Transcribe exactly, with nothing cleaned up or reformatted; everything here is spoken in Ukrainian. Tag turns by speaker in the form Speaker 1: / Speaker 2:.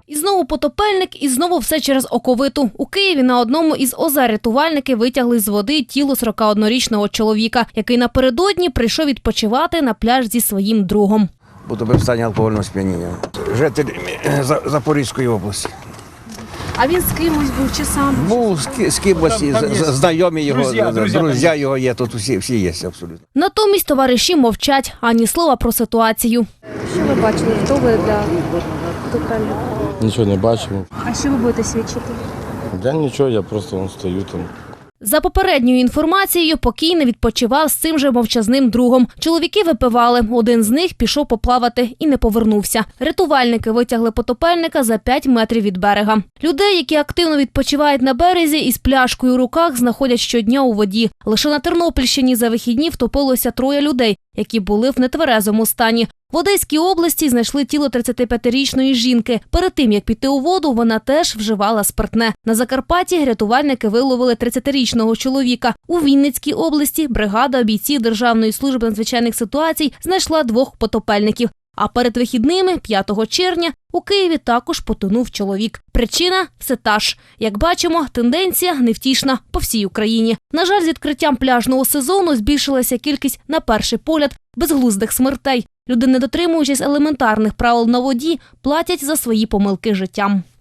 Speaker 1: І знову потопельник, і знову все через оковиту. У Києві на одному із озер рятувальники витягли з води тіло сорокаоднорічного чоловіка, який напередодні прийшов відпочивати на пляж зі своїм другом.
Speaker 2: Утопив в стані алкогольного сп'яніння. Житель Запорізької області.
Speaker 1: А він з кимось був чи сам?
Speaker 2: Був з, з кимось, знайомі його,
Speaker 3: Друзі, друзі,
Speaker 2: друзі його є, тут всі, всі є абсолютно.
Speaker 1: Натомість товариші мовчать, ані слова про ситуацію.
Speaker 4: Що ви бачили? Хто ви для потопельника?
Speaker 5: Нічого не бачимо.
Speaker 4: А що ви будете свідчити?
Speaker 5: Я нічого, я просто вон, стою там.
Speaker 1: За попередньою інформацією, покійний відпочивав з цим же мовчазним другом. Чоловіки випивали, один з них пішов поплавати і не повернувся. Рятувальники витягли потопельника за п'ять метрів від берега. Людей, які активно відпочивають на березі, із пляшкою у руках знаходять щодня у воді. Лише на Тернопільщині за вихідні втопилося троє людей, які були в нетверезому стані. В Одеській області знайшли тіло тридцятип'ятирічної жінки. Перед тим, як піти у воду, вона теж вживала спиртне. На Закарпатті рятувальники виловили тридцятирічного чоловіка. У Вінницькій області бригада бійців Державної служби надзвичайних ситуацій знайшла двох потопельників. А перед вихідними, п'ятого червня, у Києві також потонув чоловік. Причина – все та ж. Як бачимо, тенденція невтішна по всій Україні. На жаль, з відкриттям пляжного сезону збільшилася кількість, на перший погляд, безглуздих смертей. Люди, не дотримуючись елементарних правил на воді, платять за свої помилки життям.